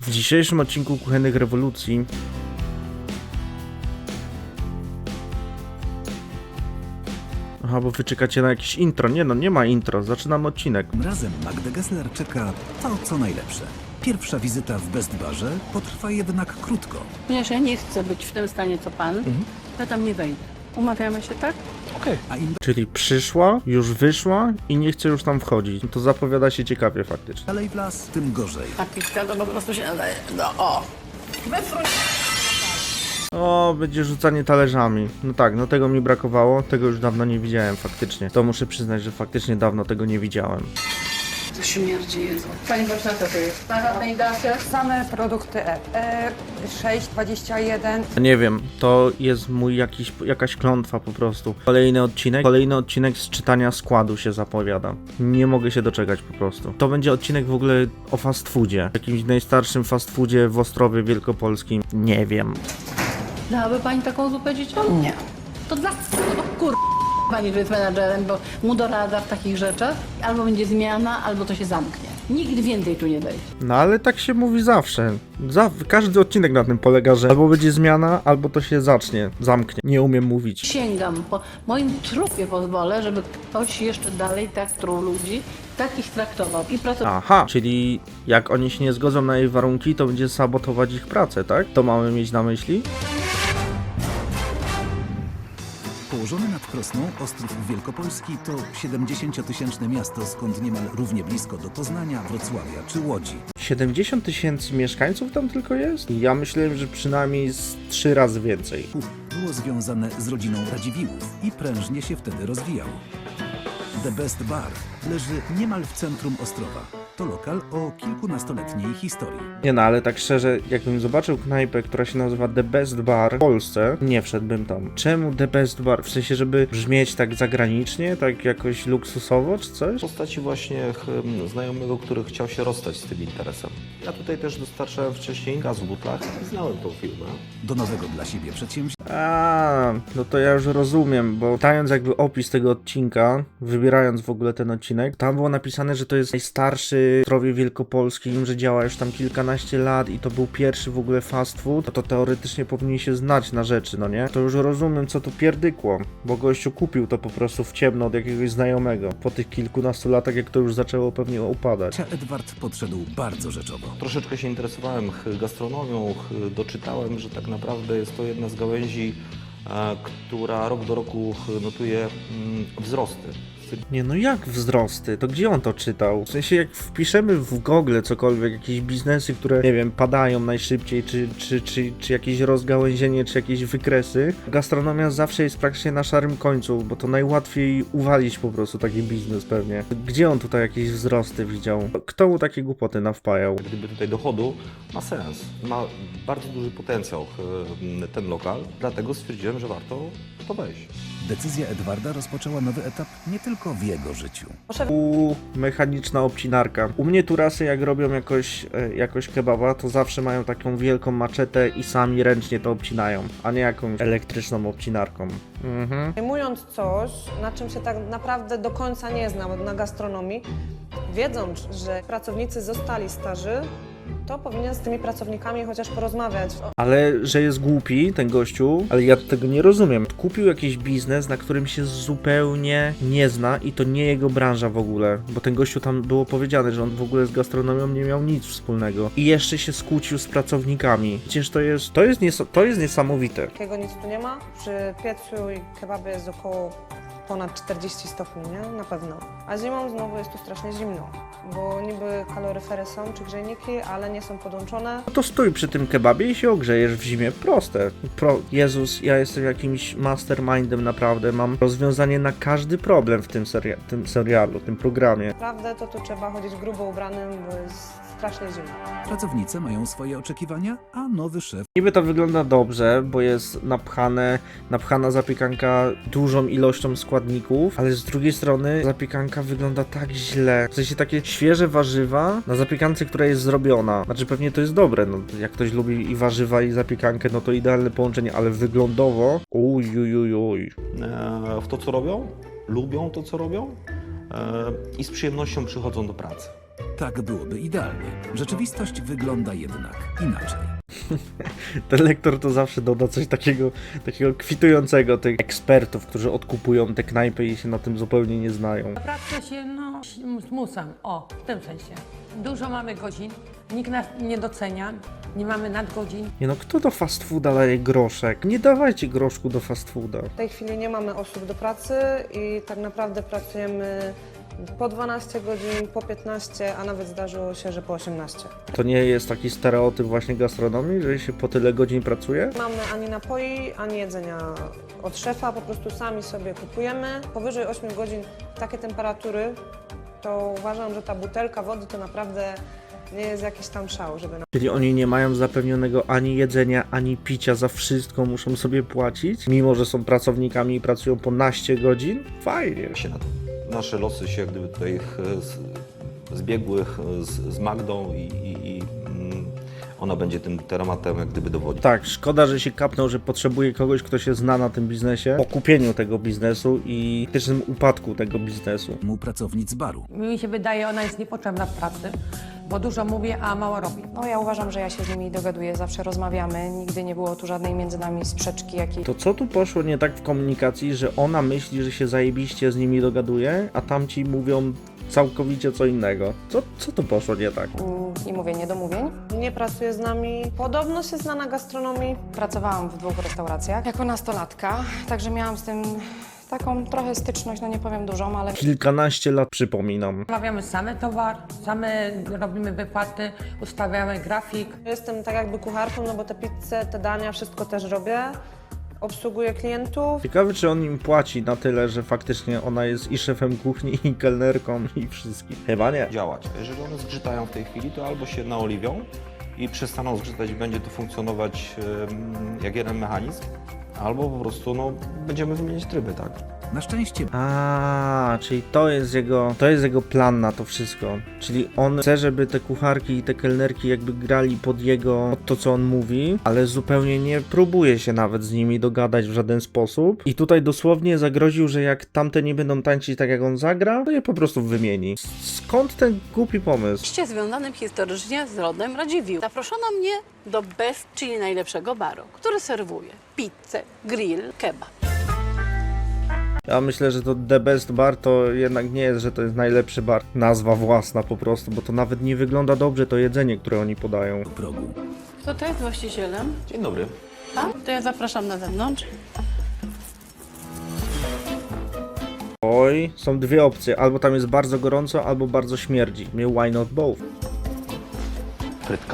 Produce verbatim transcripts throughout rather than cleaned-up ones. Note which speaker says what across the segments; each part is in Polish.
Speaker 1: W dzisiejszym odcinku Kuchennych Rewolucji Aha, bo wy czekacie na jakieś intro. Nie no, nie ma intro. Zaczynamy odcinek.
Speaker 2: Tym razem Magdę Gessler czeka to, co najlepsze. Pierwsza wizyta w Best Barze potrwa jednak krótko.
Speaker 3: Ponieważ ja nie chcę być w tym stanie, co pan,
Speaker 2: Mhm.
Speaker 3: ja tam nie wejdę. Umawiamy się, tak?
Speaker 2: Okej. A im
Speaker 1: Czyli przyszła, już wyszła i nie chce już tam wchodzić. No to zapowiada się ciekawie faktycznie.
Speaker 2: dalej w las, tym gorzej.
Speaker 3: A pitka to po prostu się nadaje. No o! Wyfruć!
Speaker 1: O, będzie rzucanie talerzami. No tak, no tego mi brakowało. Tego już dawno nie widziałem faktycznie. To muszę przyznać, że faktycznie dawno tego nie widziałem.
Speaker 3: To śmierdzi Jezu. Pani Bożena, co to jest? Na żadnej dacie?
Speaker 4: Same produkty E. E sześć dwadzieścia jeden.
Speaker 1: Nie wiem, to jest mój jakiś, jakaś klątwa po prostu. Kolejny odcinek, kolejny odcinek z czytania składu się zapowiada. Nie mogę się doczekać po prostu. To będzie odcinek w ogóle o fast foodzie. Jakimś najstarszym fast foodzie w Ostrowie Wielkopolskim. Nie wiem.
Speaker 3: Dałaby pani taką zupę dzieciom? Nie. To dla o kur... Pani, że jest menadżerem, bo mu doradza w takich rzeczach. Albo będzie zmiana, albo to się zamknie. Nikt więcej tu nie wejdzie.
Speaker 1: No ale tak się mówi zawsze. Za, każdy odcinek na tym polega, że albo będzie zmiana, albo to się zacznie, zamknie. Nie umiem mówić.
Speaker 3: Sięgam po moim trupie pozwolę, żeby ktoś jeszcze dalej tak truł ludzi, tak ich traktował i pracował.
Speaker 1: Aha, czyli jak oni się nie zgodzą na jej warunki, to będzie sabotować ich pracę, tak? To mamy mieć na myśli?
Speaker 2: Położony nad Krosną, Ostrów Wielkopolski to siedemdziesięciotysięczne miasto, skąd niemal równie blisko do Poznania, Wrocławia czy Łodzi.
Speaker 1: siedemdziesiąt tysięcy mieszkańców tam tylko jest? Ja myślałem, że przynajmniej z trzy razy więcej.
Speaker 2: Było związane z rodziną Radziwiłłów i prężnie się wtedy rozwijał. The Best Bar leży niemal w centrum Ostrowa. To lokal o kilkunastoletniej historii.
Speaker 1: Nie no, ale tak szczerze, jakbym zobaczył knajpę, która się nazywa The Best Bar w Polsce, nie wszedłbym tam. Czemu The Best Bar? W sensie, żeby brzmieć tak zagranicznie, tak jakoś luksusowo czy coś?
Speaker 5: W postaci właśnie hmm, znajomego, który chciał się rozstać z tym interesem. Ja tutaj też dostarczałem wcześniej gaz w butlach i znałem tą firmę.
Speaker 2: Do nowego dla siebie przedsięwzięcia
Speaker 1: A, no to ja już rozumiem, bo czytając jakby opis tego odcinka, wybierając w ogóle ten odcinek, tam było napisane, że to jest najstarszy w Ostrowie Wielkopolskim, że działa już tam kilkanaście lat i to był pierwszy w ogóle fast food, to, to teoretycznie powinni się znać na rzeczy, no nie? To już rozumiem, co to pierdykło, bo gościu kupił to po prostu w ciemno od jakiegoś znajomego, po tych kilkunastu latach, jak to już zaczęło pewnie upadać.
Speaker 2: Edward podszedł bardzo rzeczowo.
Speaker 5: Troszeczkę się interesowałem ch, gastronomią, ch, doczytałem, że tak naprawdę jest to jedna z gałęzi, e, która rok do roku ch, notuje mm, wzrosty.
Speaker 1: Nie no jak wzrosty? To gdzie on to czytał? W sensie jak wpiszemy w Google cokolwiek, jakieś biznesy, które nie wiem, padają najszybciej, czy, czy, czy, czy jakieś rozgałęzienie, czy jakieś wykresy, gastronomia zawsze jest praktycznie na szarym końcu, bo to najłatwiej uwalić po prostu taki biznes pewnie. Gdzie on tutaj jakieś wzrosty widział? Kto mu takie głupoty nawpajał?
Speaker 5: Gdyby tutaj dochodu ma sens, ma bardzo duży potencjał ch, ten lokal, dlatego stwierdziłem, że warto w to wejść.
Speaker 2: Decyzja Edwarda rozpoczęła nowy etap nie tylko w jego życiu.
Speaker 1: U mechaniczna obcinarka. U mnie turasy jak robią jakoś, e, jakoś kebaba, to zawsze mają taką wielką maczetę i sami ręcznie to obcinają, a nie jakąś elektryczną obcinarką. Mhm.
Speaker 6: Zajmując coś, na czym się tak naprawdę do końca nie znam na gastronomii, wiedząc, że pracownicy zostali starzy, to powinien z tymi pracownikami chociaż porozmawiać.
Speaker 1: Ale że jest głupi ten gościu, ale ja tego nie rozumiem. Kupił jakiś biznes, na którym się zupełnie nie zna i to nie jego branża w ogóle, bo ten gościu tam było powiedziane, że on w ogóle z gastronomią nie miał nic wspólnego i jeszcze się skłócił z pracownikami. Przecież to jest, to jest, nies- to jest niesamowite.
Speaker 6: Takiego nic tu nie ma. Przy piecu i kebabie jest około ponad czterdzieści stopni, nie? Na pewno. A zimą znowu jest tu strasznie zimno, bo niby kaloryfery są czy grzejniki, ale nie są podłączone.
Speaker 1: No to stój przy tym kebabie i się ogrzejesz w zimie. Proste. Pro... Jezus, ja jestem jakimś mastermindem naprawdę. Mam rozwiązanie na każdy problem w tym, seria... tym serialu, tym programie.
Speaker 6: Naprawdę to tu trzeba chodzić grubo ubranym, bo jest strasznie zimno.
Speaker 2: Pracownicy mają swoje oczekiwania, a nowy szef
Speaker 1: Niby to wygląda dobrze, bo jest napchane, napchana zapiekanka dużą ilością składników, ale z drugiej strony zapiekanka wygląda tak źle. W sensie takie świeże warzywa na zapiekance, która jest zrobiona. Znaczy pewnie to jest dobre, no jak ktoś lubi i warzywa i zapiekankę, no to idealne połączenie, ale wyglądowo uj, uj, uj, uj.
Speaker 5: E, w to, co robią, lubią to, co robią e, i z przyjemnością przychodzą do pracy.
Speaker 2: Tak byłoby idealnie. Rzeczywistość wygląda jednak inaczej.
Speaker 1: Ten lektor to zawsze doda coś takiego, takiego kwitującego tych ekspertów, którzy odkupują te knajpy i się na tym zupełnie nie znają.
Speaker 7: Pracę się no, zmuszam, o, w tym sensie. Dużo mamy godzin, nikt nas nie docenia, nie mamy nadgodzin.
Speaker 1: Nie no, kto do fast fooda daje groszek? Nie dawajcie groszku do fast fooda.
Speaker 6: W tej chwili nie mamy osób do pracy i tak naprawdę pracujemy po dwanaście godzin, po piętnaście, a nawet zdarzyło się, że po osiemnaście.
Speaker 1: To nie jest taki stereotyp właśnie gastronomii, że się po tyle godzin pracuje?
Speaker 6: Mamy ani napoi, ani jedzenia od szefa, po prostu sami sobie kupujemy. Powyżej ośmiu godzin takie temperatury, to uważam, że ta butelka wody to naprawdę nie jest jakiś tam szał, żeby na...
Speaker 1: Czyli oni nie mają zapewnionego ani jedzenia, ani picia, za wszystko muszą sobie płacić, mimo że są pracownikami i pracują po naście godzin? Fajnie.
Speaker 5: Się na nasze losy się jak gdyby tutaj e, z- zbiegły e, z, z Magdą i, i, i mm, ona będzie tym tematem jak gdyby dowodzić.
Speaker 1: Tak, szkoda, że się kapnął, że potrzebuje kogoś, kto się zna na tym biznesie, po kupieniu tego biznesu i też tym upadku tego biznesu.
Speaker 2: Mu pracownic baru.
Speaker 7: Mi się wydaje, ona jest niepotrzebna w pracy, bo dużo mówi, a mało robi.
Speaker 8: No ja uważam, że ja się z nimi dogaduję, zawsze rozmawiamy, nigdy nie było tu żadnej między nami sprzeczki jakiejś.
Speaker 1: To co tu poszło nie tak w komunikacji, że ona myśli, że się zajebiście z nimi dogaduje, a tamci mówią całkowicie co innego? Co, co tu poszło nie tak?
Speaker 8: Mm, I mówię niedomówień.
Speaker 6: Nie pracuje z nami. Podobno się zna na gastronomii.
Speaker 8: Pracowałam w dwóch restauracjach jako nastolatka, także miałam z tym taką trochę styczność, no nie powiem dużą, ale
Speaker 1: Kilkanaście lat, przypominam.
Speaker 7: Zamawiamy same towar, same robimy wypłaty, ustawiamy grafik.
Speaker 6: Jestem tak jakby kucharką, no bo te pizze, te dania, wszystko też robię. Obsługuję klientów.
Speaker 1: Ciekawe, czy on im płaci na tyle, że faktycznie ona jest i szefem kuchni, i kelnerką, i wszystkim. Chyba nie.
Speaker 5: Działać. Jeżeli one zgrzytają w tej chwili, to albo się naoliwią i przestaną zgrzytać i będzie to funkcjonować em, jak jeden mechanizm, albo po prostu no, będziemy wymieniać tryby, tak?
Speaker 2: Na szczęście
Speaker 1: A, czyli to jest jego, to jest jego plan na to wszystko. Czyli on chce, żeby te kucharki i te kelnerki jakby grali pod jego, pod to co on mówi, ale zupełnie nie próbuje się nawet z nimi dogadać w żaden sposób. I tutaj dosłownie zagroził, że jak tamte nie będą tańczyć tak jak on zagra, to je po prostu wymieni. Skąd ten głupi pomysł?
Speaker 3: Oczywiście związanym historycznie z rodem Radziwiłł. Zaproszono mnie do Best, czyli najlepszego baru, który serwuje pizzę, grill, kebab.
Speaker 1: Ja myślę, że to The Best Bar to jednak nie jest, że to jest najlepszy bar. Nazwa własna po prostu, bo to nawet nie wygląda dobrze to jedzenie, które oni podają.
Speaker 2: progu.
Speaker 3: Kto to jest właścicielem?
Speaker 5: Dzień dobry.
Speaker 3: Pan? To ja zapraszam na zewnątrz.
Speaker 1: Oj, są dwie opcje. Albo tam jest bardzo gorąco, albo bardzo śmierdzi. Mnie why not both?
Speaker 5: Frytka.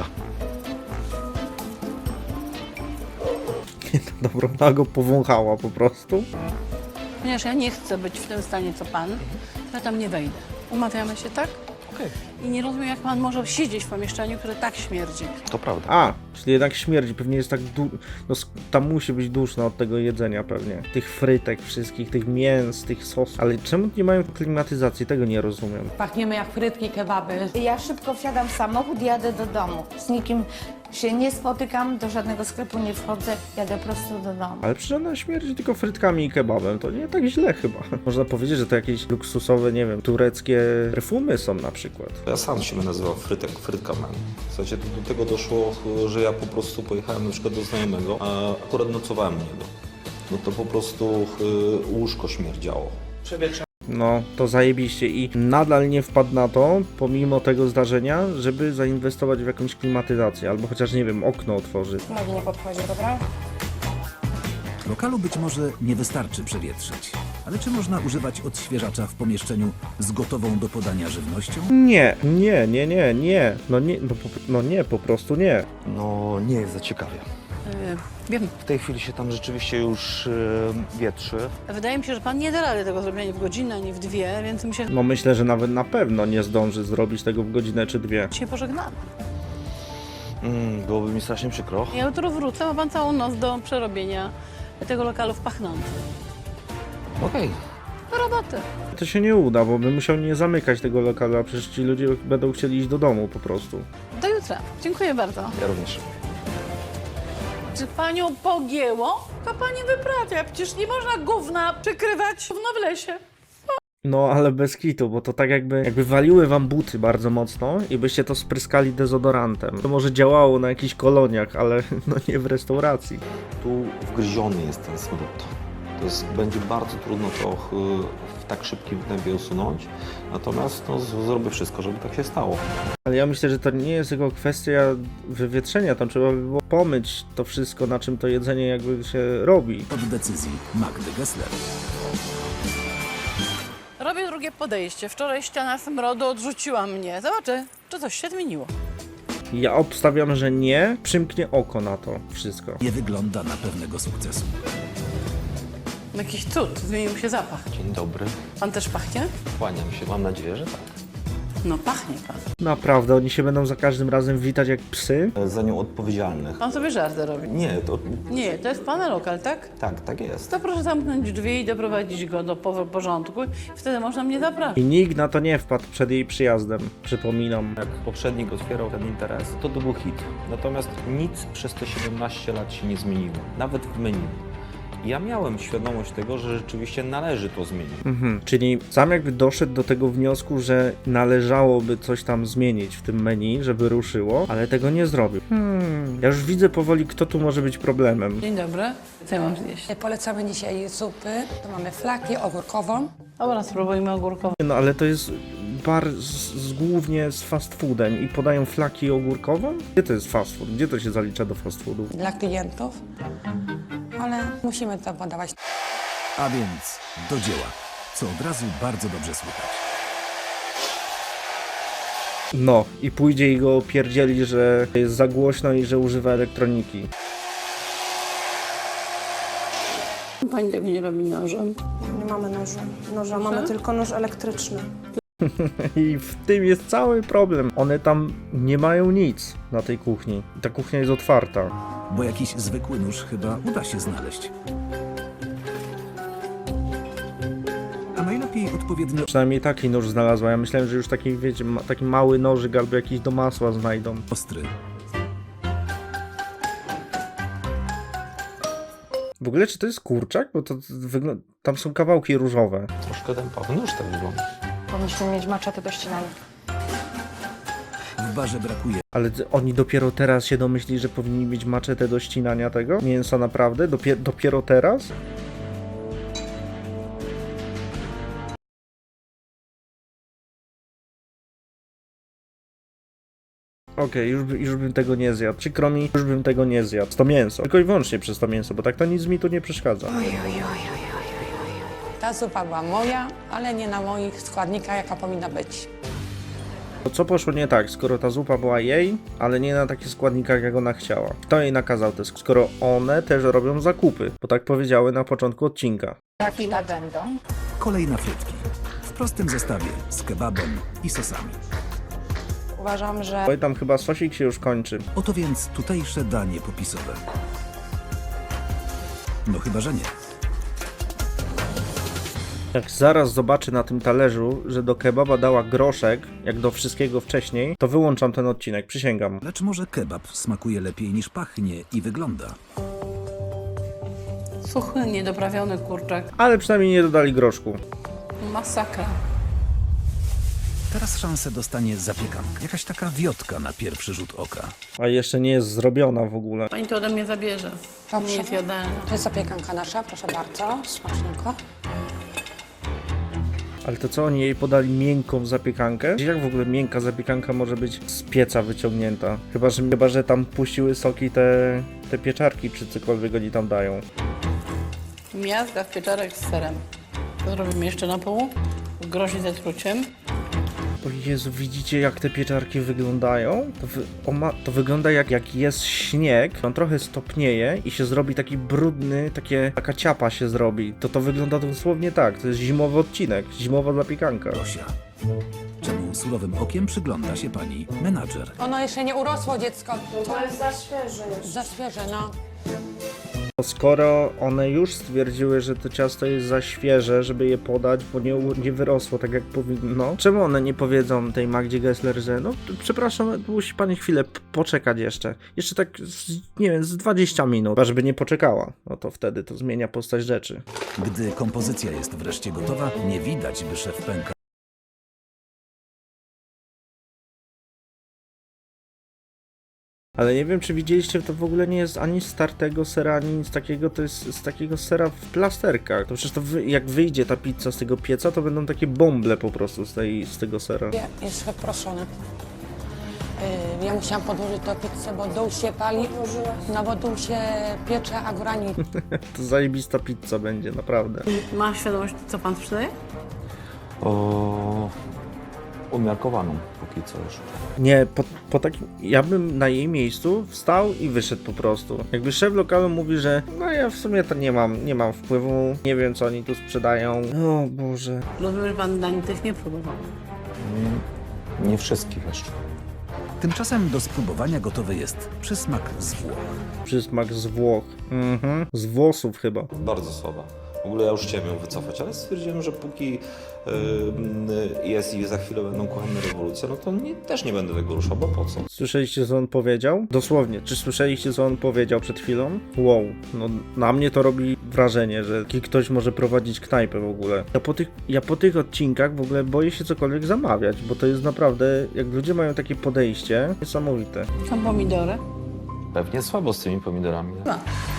Speaker 1: Dobra, ona go powąchała po prostu.
Speaker 3: Ponieważ ja nie chcę być w tym stanie co pan, to ja tam nie wejdę. Umawiamy się, tak?
Speaker 5: Okej.
Speaker 3: I nie rozumiem, jak pan może siedzieć w pomieszczeniu, które tak śmierdzi.
Speaker 5: To prawda.
Speaker 1: A, czyli jednak śmierdzi. Pewnie jest tak du... No sk- tam musi być duszno od tego jedzenia pewnie. Tych frytek wszystkich, tych mięs, tych sosów. Ale czemu nie mają klimatyzacji? Tego nie rozumiem.
Speaker 7: Pachniemy jak frytki, kebaby.
Speaker 9: Ja szybko wsiadam w samochód, jadę do domu. Z nikim się nie spotykam, do żadnego sklepu nie wchodzę, jadę prosto do domu.
Speaker 1: Ale przecież ona śmierdzi tylko frytkami i kebabem. To nie tak źle chyba. Można powiedzieć, że to jakieś luksusowe, nie wiem, tureckie perfumy są na przykład.
Speaker 5: Ja sam się nazywał Frytek, Frytka Man. W zasadzie do tego doszło, że ja po prostu pojechałem na przykład do znajomego, a akurat nocowałem u niego. No to po prostu y, łóżko śmierdziało.
Speaker 1: No, to zajebiście i nadal nie wpadł na to, pomimo tego zdarzenia, żeby zainwestować w jakąś klimatyzację, albo chociaż, nie wiem, okno otworzyć.
Speaker 8: nogi nie podchodzi, dobra?
Speaker 2: Lokalu być może nie wystarczy przewietrzyć. Ale czy można używać odświeżacza w pomieszczeniu z gotową do podania żywnością?
Speaker 1: Nie, nie, nie, nie, nie, no nie, no, po, no nie, po prostu nie.
Speaker 5: No nie jest za ciekawie.
Speaker 3: Yy, wiem.
Speaker 5: W tej chwili się tam rzeczywiście już y, wietrzy.
Speaker 3: Wydaje mi się, że pan nie da rady tego zrobienia w godzinę, ani w dwie, więc my się
Speaker 1: No myślę, że nawet na pewno nie zdąży zrobić tego w godzinę czy dwie.
Speaker 3: dzisiaj pożegnamy.
Speaker 5: Mm, byłoby mi strasznie przykro.
Speaker 3: Ja jutro wrócę, ma pan całą noc do przerobienia tego lokalu w pachnący.
Speaker 5: Okej.
Speaker 3: Do roboty.
Speaker 1: To się nie uda, bo bym musiał nie zamykać tego lokalu, a przecież ci ludzie będą chcieli iść do domu po prostu.
Speaker 3: Do jutra. Dziękuję bardzo.
Speaker 5: Ja również.
Speaker 3: Czy panią pogięło? To pani wyprawia. Przecież nie można gówna przykrywać gówno w lesie.
Speaker 1: No, ale bez kitu, bo to tak jakby, jakby waliły wam buty bardzo mocno i byście to spryskali dezodorantem. To może działało na jakichś koloniach, ale no nie w restauracji.
Speaker 5: Tu wgryziony jest ten smród. To jest, będzie bardzo trudno to ch- w tak szybkim tempie usunąć, natomiast no, z- zrobię wszystko, żeby tak się stało.
Speaker 1: Ale ja myślę, że to nie jest tylko kwestia wywietrzenia, tam trzeba by było pomyć to wszystko, na czym to jedzenie jakby się robi.
Speaker 2: Od decyzji Magdy Gessler.
Speaker 10: Robię drugie podejście. Wczoraj ściana smrodu odrzuciła mnie. Zobaczę, czy coś się zmieniło.
Speaker 1: Ja obstawiam, że nie, przymknie oko na to wszystko.
Speaker 2: Nie wygląda na pewnego sukcesu.
Speaker 10: Jakiś cud, zmienił się zapach.
Speaker 5: Dzień dobry,
Speaker 10: Pan też pachnie?
Speaker 5: kłaniam się, mam nadzieję, że tak.
Speaker 10: No pachnie pan.
Speaker 1: Naprawdę, oni się będą za każdym razem witać jak psy?
Speaker 5: Za nią odpowiedzialnych.
Speaker 10: Pan sobie żarty robi.
Speaker 5: Nie, to
Speaker 10: Nie, to jest pana lokal, tak?
Speaker 5: tak, tak jest.
Speaker 10: To proszę zamknąć drzwi i doprowadzić go do po- porządku. Wtedy można mnie zapraszać.
Speaker 1: I nikt na to nie wpadł przed jej przyjazdem, przypominam.
Speaker 5: Jak poprzednik otwierał ten interes, to to był hit. Natomiast nic przez te siedemnaście lat się nie zmieniło, nawet w menu. Ja miałem świadomość tego, że rzeczywiście należy to zmienić.
Speaker 1: Mhm. Czyli sam jakby doszedł do tego wniosku, że należałoby coś tam zmienić w tym menu, żeby ruszyło, ale tego nie zrobił. Hmm. Ja już widzę powoli, kto tu może być problemem.
Speaker 10: Dzień dobry. Co ja mam zjeść?
Speaker 11: Polecamy dzisiaj zupy. Tu mamy flakię ogórkową.
Speaker 10: Dobra, spróbujmy ogórkową.
Speaker 1: No ale to jest bar z, z, głównie z fast foodem i podają flaki ogórkową? Gdzie to jest fast food? Gdzie to się zalicza do fast foodu?
Speaker 11: Dla klientów, ale musimy to podawać.
Speaker 2: A więc do dzieła, co od razu bardzo dobrze słychać.
Speaker 1: No i pójdzie i go opierdzieli, że jest za głośno i że używa elektroniki.
Speaker 10: Pani tego nie robi nożem.
Speaker 6: Nie mamy noża. Noża mamy tylko nóż elektryczny.
Speaker 1: I w tym jest cały problem. One tam nie mają nic na tej kuchni. Ta kuchnia jest otwarta.
Speaker 2: Bo jakiś zwykły nóż chyba uda się znaleźć. A najlepiej odpowiednio
Speaker 1: Przynajmniej taki nóż znalazła. Ja myślałem, że już taki, wiecie, ma, taki mały nożyk albo jakiś do masła znajdą.
Speaker 2: ostry.
Speaker 1: W ogóle czy to jest kurczak? Bo to wygląda... Tam są kawałki różowe.
Speaker 5: Troszkę ten pawy nóż tak wygląda.
Speaker 8: Powinniśmy mieć maczety do ścinania.
Speaker 2: W barze brakuje
Speaker 1: Ale ty- oni dopiero teraz się domyślili, że powinni mieć maczetę do ścinania tego mięsa, naprawdę? Dopie dopiero teraz? Okej, już, by- już bym tego nie zjadł. Przykro mi, już bym tego nie zjadł. To mięso. Tylko i wyłącznie przez to mięso, bo tak to nic mi tu nie przeszkadza.
Speaker 11: Ta zupa była moja, ale nie na moich składnikach, jaka powinna być.
Speaker 1: To co poszło nie tak, skoro ta zupa była jej, ale nie na takich składnikach, jak ona chciała? Kto jej nakazał te sk- skoro one też robią zakupy? Bo tak powiedziały na początku odcinka.
Speaker 9: Jakie będą?
Speaker 2: kolej na frytki. W prostym zestawie z kebabem i sosami.
Speaker 8: Uważam, że
Speaker 1: Oj, tam chyba sosik się już kończy.
Speaker 2: Oto więc tutejsze danie popisowe. No chyba, że nie.
Speaker 1: Jak zaraz zobaczę na tym talerzu, że do kebaba dała groszek, jak do wszystkiego wcześniej, to wyłączam ten odcinek, przysięgam.
Speaker 2: Lecz może kebab smakuje lepiej niż pachnie i wygląda.
Speaker 10: Suchy, niedoprawiony kurczak.
Speaker 1: Ale przynajmniej nie dodali groszku.
Speaker 10: Masakra.
Speaker 2: Teraz szansę dostanie zapiekanka. Jakaś taka wiotka na pierwszy rzut oka.
Speaker 1: A jeszcze nie jest zrobiona w ogóle.
Speaker 10: Pani to ode mnie zabierze.
Speaker 11: Dobrze.
Speaker 10: Nie jest jadalna.
Speaker 11: To jest zapiekanka nasza, proszę bardzo, smacznego.
Speaker 1: Ale to co, oni jej podali miękką zapiekankę? Jak w ogóle miękka zapiekanka może być z pieca wyciągnięta? Chyba, że, chyba, że tam puściły soki te, te pieczarki, czy cokolwiek oni tam dają.
Speaker 10: Miazga w pieczarek z serem. To zrobimy jeszcze na pół. Grozi ze truciem.
Speaker 1: O Jezu, widzicie jak te pieczarki wyglądają? To, wy, o ma, to wygląda jak, jak jest śnieg, on trochę stopnieje i się zrobi taki brudny, takie, taka ciapa się zrobi. To to wygląda dosłownie tak, to jest zimowy odcinek, zimowa zapiekanka.
Speaker 2: Dosia. Czemu surowym okiem przygląda się pani menadżer?
Speaker 11: Ono jeszcze nie urosło, dziecko.
Speaker 6: To jest za świeże już.
Speaker 11: Za świeże, no.
Speaker 1: Skoro one już stwierdziły, że to ciasto jest za świeże, żeby je podać, bo nie, nie wyrosło tak jak powinno, czemu one nie powiedzą tej Magdzie Gessler, że no przepraszam, musi pani chwilę p- poczekać jeszcze. Jeszcze tak, z, nie wiem, z dwadzieścia minut, a żeby nie poczekała. No to wtedy to zmienia postać rzeczy.
Speaker 2: Gdy kompozycja jest wreszcie gotowa, nie widać, by szef pęka.
Speaker 1: Ale nie wiem, czy widzieliście, to w ogóle nie jest ani z tartego sera, ani nic takiego, to jest z takiego sera w plasterkach. To przecież to wy, jak wyjdzie ta pizza z tego pieca, to będą takie bąble po prostu z, tej, z tego sera.
Speaker 11: Jest wyproszony. Yy, ja musiałam podłożyć tę pizzę, bo dół się pali, no bo dół się piecze, a góra nie.
Speaker 1: To zajebista pizza będzie, naprawdę.
Speaker 10: Ma świadomość, co pan sprzedaje?
Speaker 5: O... Umiarkowaną póki co już.
Speaker 1: Nie, po, po takim, ja bym na jej miejscu wstał i wyszedł po prostu. Jakby szef lokalu mówi, że no ja w sumie to nie mam, nie mam wpływu, nie wiem co oni tu sprzedają. O Boże.
Speaker 10: Rozumiem, że pan dań tych nie próbował.
Speaker 5: Nie, nie wszystkich jeszcze.
Speaker 2: Tymczasem do spróbowania gotowy jest przysmak z Włoch.
Speaker 1: Przysmak z Włoch. Mhm. Z włosów chyba.
Speaker 5: Bardzo słaba. W ogóle ja już chciałem ją wycofać, ale stwierdziłem, że póki yy, jest i za chwilę będą kuchenne rewolucje, no to nie, też nie będę tego ruszał, bo po co?
Speaker 1: Słyszeliście co on powiedział? Dosłownie, czy słyszeliście co on powiedział przed chwilą? Wow, no na mnie to robi wrażenie, że taki ktoś może prowadzić knajpę w ogóle. Ja po tych, ja po tych odcinkach w ogóle boję się cokolwiek zamawiać, bo to jest naprawdę, jak ludzie mają takie podejście, niesamowite.
Speaker 10: Są pomidory?
Speaker 5: Pewnie słabo z tymi pomidorami. Nie?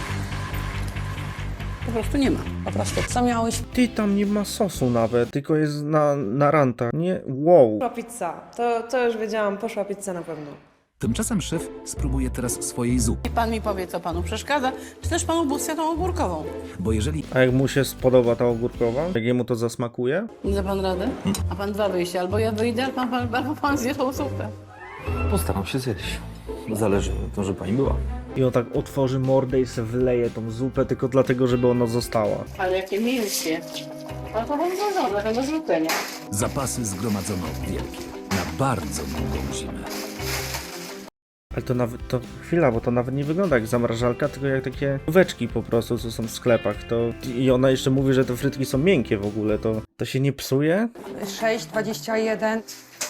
Speaker 10: Po prostu nie ma.
Speaker 11: Po prostu co miałeś?
Speaker 1: Ty, tam nie ma sosu nawet, tylko jest na, na rantach, nie? Wow.
Speaker 6: Poszła pizza. To, to już wiedziałam, poszła pizza na pewno.
Speaker 2: Tymczasem szef spróbuje teraz swojej zupy,
Speaker 10: Niech pan mi powie, co panu przeszkadza, czy też pan ubóstwia tą ogórkową.
Speaker 2: bo jeżeli
Speaker 1: A jak mu się spodoba ta ogórkowa? Jak jemu to zasmakuje?
Speaker 10: Nie da pan rady? A pan dwa wyjścia, albo ja wyjdę, albo pan, albo pan zje tą zupę.
Speaker 5: Postaram się zjeść. Zależy na tym, że pani była.
Speaker 1: I on tak otworzy mordę i se wleje tą zupę tylko dlatego, żeby ona została.
Speaker 10: Ale jakie mięskie. Pan to pan złożone, tego zupy, nie?
Speaker 2: zapasy zgromadzono wielkie, na bardzo długą zimę.
Speaker 1: Ale to nawet, to chwila, bo to nawet nie wygląda jak zamrażalka, tylko jak takieóweczki po prostu, co są w sklepach. To, i ona jeszcze mówi, że te frytki są miękkie w ogóle, to, to się nie psuje?
Speaker 4: sześć dwadzieścia jeden.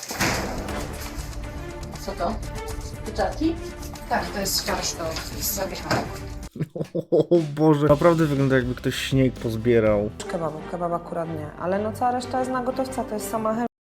Speaker 10: Co to? Pieczarki?
Speaker 8: Tak, to jest farsz do zapiechania.
Speaker 1: O Boże, naprawdę wygląda jakby ktoś śnieg pozbierał.
Speaker 6: Kebabu, kebab akurat nie. Ale no cała reszta jest na gotowca, to jest sama chemia.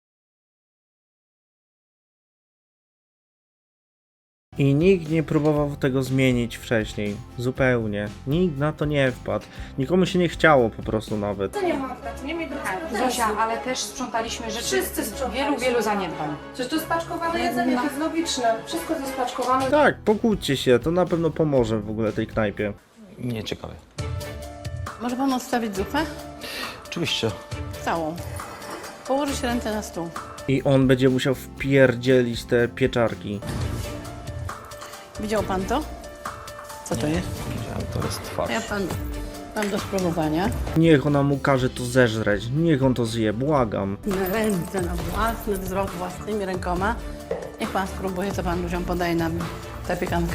Speaker 1: I nikt nie próbował tego zmienić wcześniej. Zupełnie. Nikt na to nie wpadł. Nikomu się nie chciało po prostu nawet.
Speaker 8: Zosia, ale też sprzątaliśmy rzeczy. Wszyscy wielu, wielu zaniedbań.
Speaker 4: Przecież to jest spaczkowane jedzenie, to jest logiczne. Wszystko jest spaczkowane.
Speaker 1: Tak, pokłóćcie się, to na pewno pomoże w ogóle tej knajpie.
Speaker 5: Nie ciekawe.
Speaker 10: Może pan odstawić zupę?
Speaker 5: Oczywiście.
Speaker 10: Całą. Położyć ręce na stół.
Speaker 1: I on będzie musiał wpierdzielić te pieczarki.
Speaker 10: Widział pan to? Co to jest?
Speaker 5: Widziałem, to jest farsz.
Speaker 10: Ja pan mam do spróbowania.
Speaker 1: Niech ona mu każe to zeżreć, niech on to zje, błagam.
Speaker 10: Na ręce, na własny wzrok, własnymi rękoma. Niech pan spróbuje, co pan ludziom podaje na zapiekankę.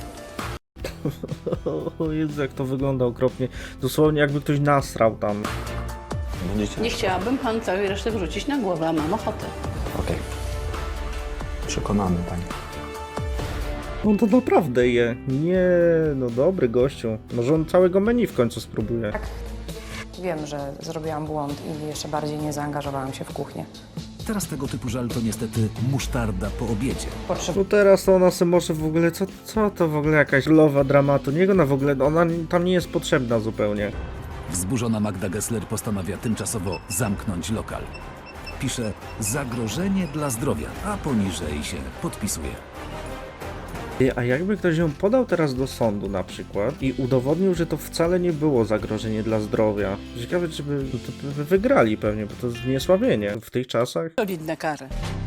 Speaker 1: O Jezu, jak to wygląda okropnie. Dosłownie jakby ktoś nasrał tam.
Speaker 5: Będziecie?
Speaker 10: Nie chciałabym pan całej reszty wrzucić na głowę, a mam ochotę.
Speaker 5: Okej. Przekonany pani.
Speaker 1: On to naprawdę je. Nie, no dobry gościu. Może on całego menu w końcu spróbuje.
Speaker 8: Wiem, że zrobiłam błąd i jeszcze bardziej nie zaangażowałam się w kuchnię.
Speaker 2: Teraz tego typu żal to niestety musztarda po obiedzie.
Speaker 1: No teraz to ona se może w ogóle, co, co to w ogóle jakaś lowa dramatu? Niech ona w ogóle, ona tam nie jest potrzebna zupełnie.
Speaker 2: Wzburzona Magda Gessler postanawia tymczasowo zamknąć lokal. Pisze zagrożenie dla zdrowia, a poniżej się podpisuje.
Speaker 1: Ty, a jakby ktoś ją podał teraz do sądu na przykład i udowodnił, że to wcale nie było zagrożenie dla zdrowia. Ciekawe, czy by, no to by wygrali pewnie, bo to jest zniesławienie w tych czasach.
Speaker 10: Solidne kary.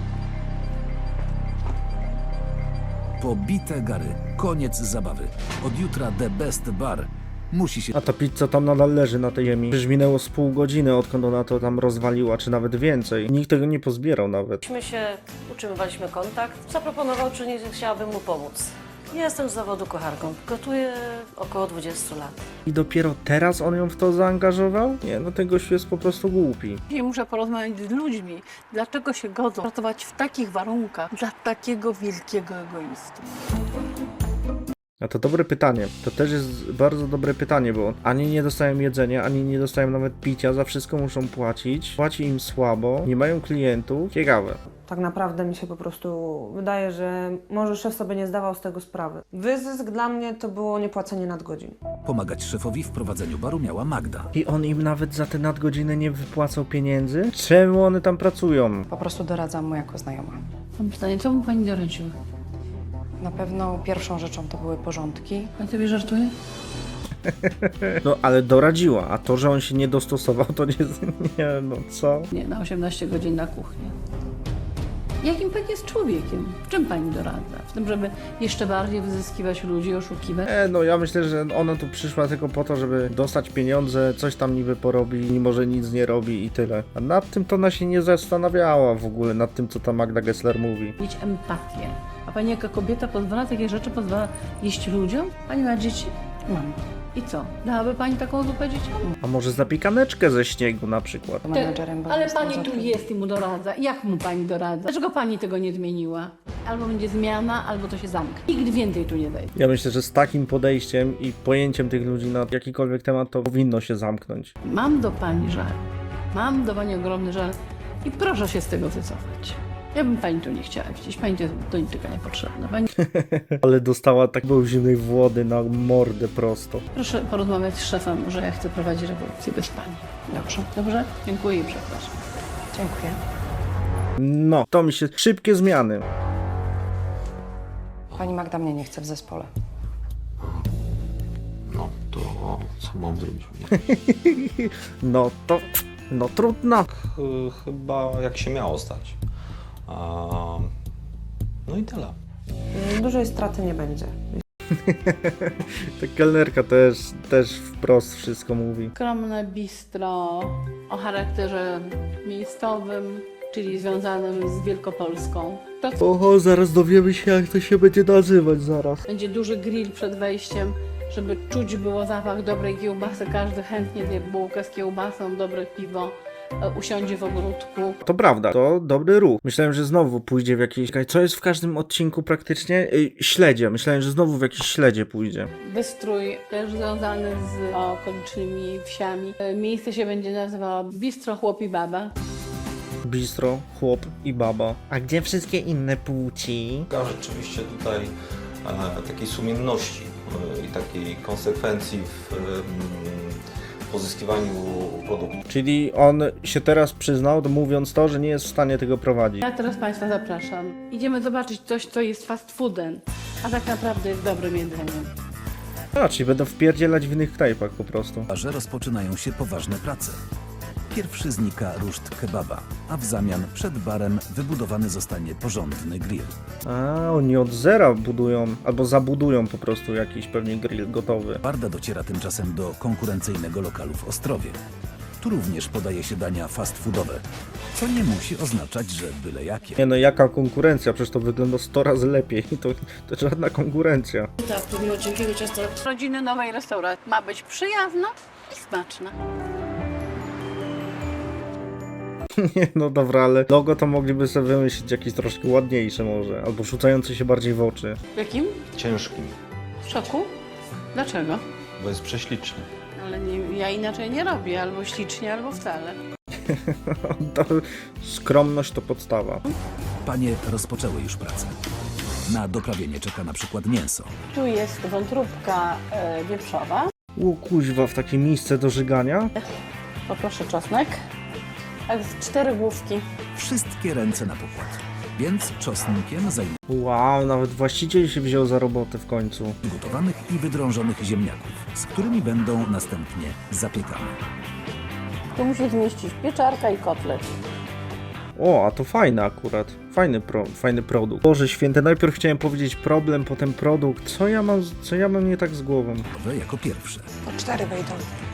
Speaker 2: Pobite gary. Koniec zabawy. Od jutra The Best Bar musi się...
Speaker 1: A ta pizza tam nadal leży na tej ziemi. Przecież minęło z pół godziny, odkąd ona to tam rozwaliła, czy nawet więcej. Nikt tego nie pozbierał nawet.
Speaker 12: Myśmy się utrzymywaliśmy kontakt. Zaproponował, czy nie chciałabym mu pomóc. Jestem z zawodu kucharką. Gotuję około dwudziestu lat.
Speaker 1: I dopiero teraz on ją w to zaangażował? Nie, no ten gościu jest po prostu głupi.
Speaker 3: I muszę porozmawiać z ludźmi, dlaczego się godzą pracować w takich warunkach dla takiego wielkiego egoisty.
Speaker 1: A to dobre pytanie. To też jest bardzo dobre pytanie, bo ani nie dostają jedzenia, ani nie dostają nawet picia, za wszystko muszą płacić. Płaci im słabo, nie mają klientów. Ciekawe.
Speaker 6: Tak naprawdę mi się po prostu wydaje, że może szef sobie nie zdawał z tego sprawy. Wyzysk dla mnie to było niepłacenie nadgodzin.
Speaker 2: Pomagać szefowi w prowadzeniu baru miała Magda.
Speaker 1: I on im nawet za te nadgodziny nie wypłacał pieniędzy? Czemu one tam pracują?
Speaker 8: Po prostu doradzam mu jako znajoma.
Speaker 3: Mam pytanie, co mu pani doradziła?
Speaker 8: Na pewno pierwszą rzeczą to były porządki.
Speaker 3: Pani sobie żartuje?
Speaker 1: No ale doradziła, a to, że on się nie dostosował, to nie... Nie, no co?
Speaker 3: Nie, na osiemnaście godzin na kuchni. Jakim pani jest człowiekiem? W czym pani doradza? W tym, żeby jeszcze bardziej wyzyskiwać ludzi, oszukiwać?
Speaker 1: E, no ja myślę, że ona tu przyszła tylko po to, żeby dostać pieniądze, coś tam niby porobi, mimo że nic nie robi i tyle. A nad tym to ona się nie zastanawiała w ogóle, nad tym, co ta Magda Gessler mówi.
Speaker 3: Mieć empatię. A pani jako kobieta pozwala takie rzeczy, pozwala jeść ludziom? Pani ma dzieci?
Speaker 8: Mam.
Speaker 3: I co? Dałaby pani taką zupę dzieciom?
Speaker 1: A może zapiekaneczkę ze śniegu na przykład?
Speaker 8: Menedżerem, bo
Speaker 3: Ale
Speaker 8: jestem
Speaker 3: pani tu
Speaker 8: zatrudniona.
Speaker 3: jest i mu doradza. Jak mu pani doradza? Dlaczego pani tego nie zmieniła? Albo będzie zmiana, albo to się zamknie. Nigdy więcej tu nie wejdzie.
Speaker 1: Ja myślę, że z takim podejściem i pojęciem tych ludzi na jakikolwiek temat, to powinno się zamknąć.
Speaker 3: Mam do pani żal. Mam do pani ogromny żal i proszę się z tego wycofać. Ja bym pani tu nie chciała widzieć. Pani to jest do niczego niepotrzebna. Pani...
Speaker 1: Ale dostała tak zimnej wody na mordę prosto.
Speaker 3: Proszę porozmawiać z szefem, że ja chcę prowadzić rewolucję bez pani.
Speaker 8: Dobrze.
Speaker 3: Dobrze? Dziękuję i przepraszam.
Speaker 8: Dziękuję.
Speaker 1: No, to mi się... Szybkie zmiany.
Speaker 8: Pani Magda mnie nie chce w zespole.
Speaker 5: No to co mam zrobić?
Speaker 1: No to... No trudno.
Speaker 5: Ch- Chyba jak się miało stać. A, no i tyle.
Speaker 6: Dużej straty nie będzie.
Speaker 1: Ta kelnerka też, też wprost wszystko mówi.
Speaker 3: Skromne bistro o charakterze miejscowym, czyli związanym z Wielkopolską. To
Speaker 1: Oho, zaraz dowiemy się, jak to się będzie nazywać zaraz.
Speaker 3: będzie duży grill przed wejściem, żeby czuć było zapach dobrej kiełbasy. Każdy chętnie zje bułkę z kiełbasą, dobre piwo, e, usiądzie w ogródku.
Speaker 1: To prawda, to dobry ruch. Myślałem, że znowu pójdzie w jakieś... Co jest w każdym odcinku praktycznie? Yy, śledzie. Myślałem, że znowu w jakieś śledzie pójdzie.
Speaker 3: Wystrój też związany z okolicznymi wsiami. E, Miejsce się będzie nazywało Bistro Chłop i Baba.
Speaker 1: Bistro, chłop i baba. A gdzie wszystkie inne płci?
Speaker 5: Szuka rzeczywiście tutaj e, takiej sumienności e, i takiej konsekwencji w e, pozyskiwaniu produktu.
Speaker 1: Czyli on się teraz przyznał, mówiąc to, że nie jest w stanie tego prowadzić.
Speaker 3: Ja teraz Państwa zapraszam. Idziemy zobaczyć coś, co jest fast foodem, a tak naprawdę jest dobrym jedzeniem.
Speaker 1: A, czyli będą wpierdzielać w innych knajpach po prostu.
Speaker 2: W barze rozpoczynają się poważne prace. Pierwszy znika ruszt kebaba, a w zamian przed barem wybudowany zostanie porządny grill.
Speaker 1: A, oni od zera budują, albo zabudują po prostu jakiś pewnie grill gotowy.
Speaker 2: Warda dociera tymczasem do konkurencyjnego lokalu w Ostrowie. Tu również podaje się dania fast foodowe, co nie musi oznaczać, że byle jakie.
Speaker 1: Nie no, jaka konkurencja? Przecież to wygląda sto razy lepiej. To, to żadna konkurencja.
Speaker 12: Tak, pomimo cienkiego ciasta.
Speaker 3: Rodziny nowej restauracji ma być przyjazna i smaczna.
Speaker 1: Nie no dobra, ale logo to mogliby sobie wymyślić jakieś troszkę ładniejsze może, albo rzucające się bardziej w oczy.
Speaker 3: W jakim?
Speaker 5: Ciężkim,
Speaker 3: W szoku? Dlaczego?
Speaker 5: bo jest prześliczny.
Speaker 3: Ale nie, ja inaczej nie robię, albo ślicznie, albo wcale.
Speaker 1: To skromność to podstawa.
Speaker 2: Panie rozpoczęły już pracę. Na doprawienie czeka na przykład mięso.
Speaker 3: Tu jest wątróbka e, wieprzowa.
Speaker 1: O kuźwa, w takie miejsce do żygania?
Speaker 3: Poproszę czosnek. A jest cztery główki.
Speaker 2: Wszystkie ręce na pokład. Więc czosnkiem zajmuje
Speaker 1: Wow, nawet właściciel się wziął za robotę w końcu.
Speaker 2: gotowanych i wydrążonych ziemniaków, z którymi będą następnie zapiekane.
Speaker 3: Tu musi zmieścić pieczarka i kotlet.
Speaker 1: O, a to fajne akurat. Fajny, pro, fajny produkt. Boże święte, najpierw chciałem powiedzieć problem, potem produkt. Co ja mam, co ja mam nie tak z głową?
Speaker 2: Gotowe jako pierwsze.
Speaker 11: Po cztery wejdą.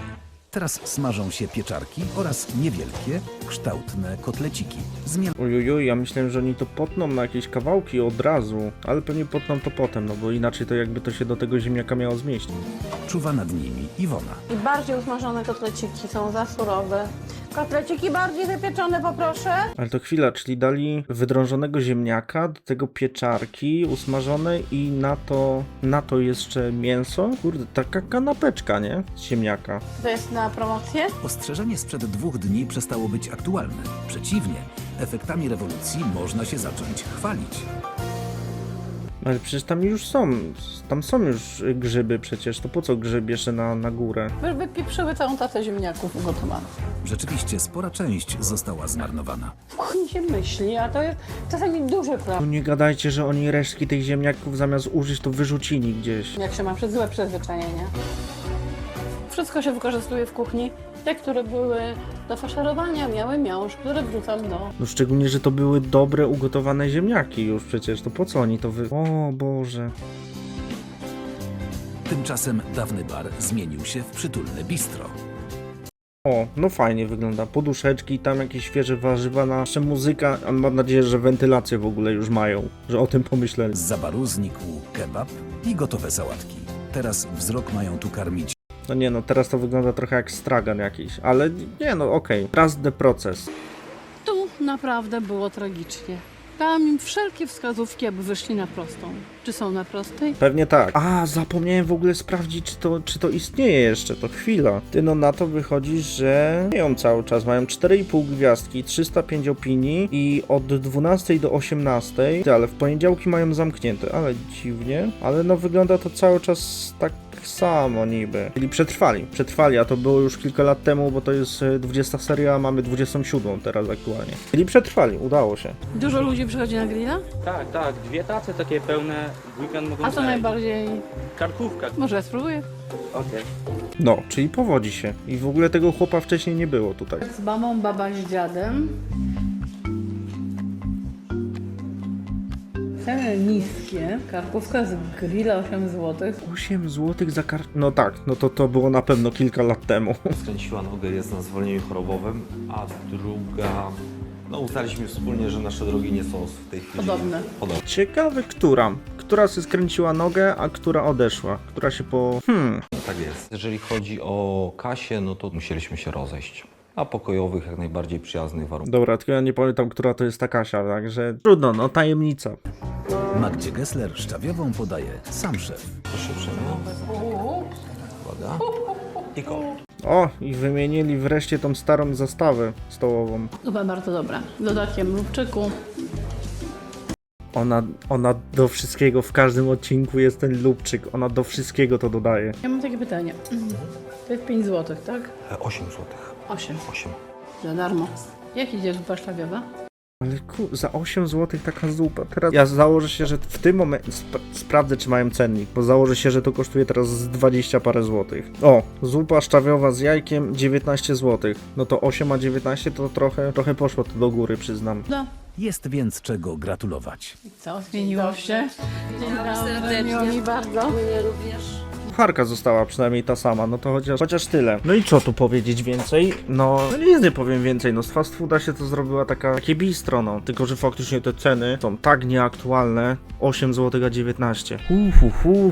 Speaker 2: Teraz smażą się pieczarki oraz niewielkie, kształtne kotleciki. Zmian
Speaker 1: Ojojo, ja myślałem, że oni to potną na jakieś kawałki od razu, ale pewnie potną to potem, no bo inaczej to jakby to się do tego ziemniaka miało zmieścić.
Speaker 2: czuwa nad nimi Iwona.
Speaker 10: I bardziej usmażone kotleciki są za surowe. Kotleciki bardziej wypieczone poproszę.
Speaker 1: Ale to chwila, czyli dali wydrążonego ziemniaka, do tego pieczarki usmażone i na to, na to jeszcze mięso? Kurde, taka kanapeczka, nie? Z ziemniaka.
Speaker 10: To jest na promocję?
Speaker 2: Ostrzeżenie sprzed dwóch dni przestało być aktualne. Przeciwnie, efektami rewolucji można się zacząć chwalić.
Speaker 1: Ale przecież tam już są, tam są już grzyby przecież, to po co grzyb jeszcze na, na górę?
Speaker 10: Wy- Wypieprzyły całą tatę ziemniaków ugotowanych.
Speaker 2: Rzeczywiście spora część została zmarnowana.
Speaker 10: W kuchni się myśli, a to jest czasami duży
Speaker 1: No
Speaker 10: problem.
Speaker 1: nie gadajcie, że oni resztki tych ziemniaków zamiast użyć to wyrzucili gdzieś.
Speaker 10: Jak się ma przed złe przyzwyczajenie. Wszystko się wykorzystuje w kuchni. Te, które były do faszerowania, miały miąższ, który wrzucam do...
Speaker 1: No szczególnie, że to były dobre, ugotowane ziemniaki już przecież, to po co oni to wy... O Boże.
Speaker 2: Tymczasem dawny bar zmienił się w przytulne bistro.
Speaker 1: O, no fajnie wygląda. Poduszeczki, tam jakieś świeże warzywa, nasza muzyka. A mam nadzieję, że wentylację w ogóle już mają, że o tym pomyśleli.
Speaker 2: Z baru znikł kebab i gotowe sałatki. Teraz wzrok mają tu karmić
Speaker 1: No nie no, teraz to wygląda trochę jak stragan jakiś, ale nie no, okej. Trust the process.
Speaker 3: Tu naprawdę było tragicznie. Dałam im wszelkie wskazówki, aby wyszli na prostą. Czy są na prostej?
Speaker 1: Pewnie tak. A, zapomniałem w ogóle sprawdzić, czy to, czy to istnieje jeszcze, to chwila. Ty no na to wychodzi, że mają cały czas, mają cztery i pół gwiazdki, trzysta pięć opinii i od dwunastej do osiemnastej, ty, ale w poniedziałki mają zamknięte, ale dziwnie. Ale no wygląda to cały czas tak samo niby. Czyli przetrwali, przetrwali, a to było już kilka lat temu, bo to jest e, dwudziesta seria, a mamy dwudziestą siódmą teraz aktualnie. Czyli przetrwali, udało się.
Speaker 3: Dużo ludzi przychodzi na grilla?
Speaker 13: Tak, tak, dwie tace takie pełne w weekend mogą
Speaker 3: A co
Speaker 13: znaleźć.
Speaker 3: najbardziej...
Speaker 13: Karkówka.
Speaker 3: Może ja spróbuję?
Speaker 13: Okej.
Speaker 1: No, czyli powodzi się. I w ogóle tego chłopa wcześniej nie było tutaj.
Speaker 3: Z mamą, baba z dziadem. Ceny niskie. Karkówka z grilla osiem złotych.
Speaker 1: osiem złotych za kar... No tak, no to to było na pewno kilka lat temu.
Speaker 5: Skręciła nogę, jest na zwolnieniu chorobowym, a druga... No uznaliśmy wspólnie, że nasze drogi nie są w tej chwili
Speaker 3: Podobne.
Speaker 5: podobne.
Speaker 1: Ciekawe, która. Która się skręciła nogę, a która odeszła. Która się po... Hmm.
Speaker 5: Tak jest. Jeżeli chodzi o Kasię, no to musieliśmy się rozejść. A pokojowych, jak najbardziej przyjaznych warunkach.
Speaker 1: Dobra, tylko ja nie pamiętam, która to jest ta Kasia, także trudno, no tajemnica.
Speaker 2: Magdzie Gessler szczawiową podaje sam szef.
Speaker 5: Proszę uprzejmie. Uwaga. I koło.
Speaker 1: O, i wymienili wreszcie tą starą zastawę stołową.
Speaker 3: Zupa bardzo dobra. Z dodatkiem lubczyku.
Speaker 1: Ona, ona do wszystkiego, w każdym odcinku jest ten lubczyk. Ona do wszystkiego to dodaje.
Speaker 3: Ja mam takie pytanie. To jest pięć złotych, tak?
Speaker 5: osiem złotych.
Speaker 3: osiem.
Speaker 5: osiem.
Speaker 3: Za darmo. Jak idzie zupa szlawiowa?
Speaker 1: Ale ku, za osiem złotych taka zupa. Teraz ja założę się, że w tym momencie sp sprawdzę, czy mają cennik, bo założę się, że to kosztuje teraz z dwadzieścia parę złotych. O, zupa szczawiowa z jajkiem dziewiętnaście złotych. No to osiem a dziewiętnaście to trochę, trochę poszło to do góry, przyznam.
Speaker 3: No.
Speaker 2: Jest więc czego gratulować.
Speaker 3: Co? Zmieniło się? Dzień dobry, miło mi bardzo.
Speaker 12: Mnie również.
Speaker 1: Kucharka została przynajmniej ta sama, no to chociaż, chociaż tyle. No i co tu powiedzieć więcej? No, no nic nie powiem więcej, no z fast fooda się to zrobiła taka, takie bistro, no. Tylko, że faktycznie te ceny są tak nieaktualne. osiem złotych a dziewiętnaście. Uhuhu.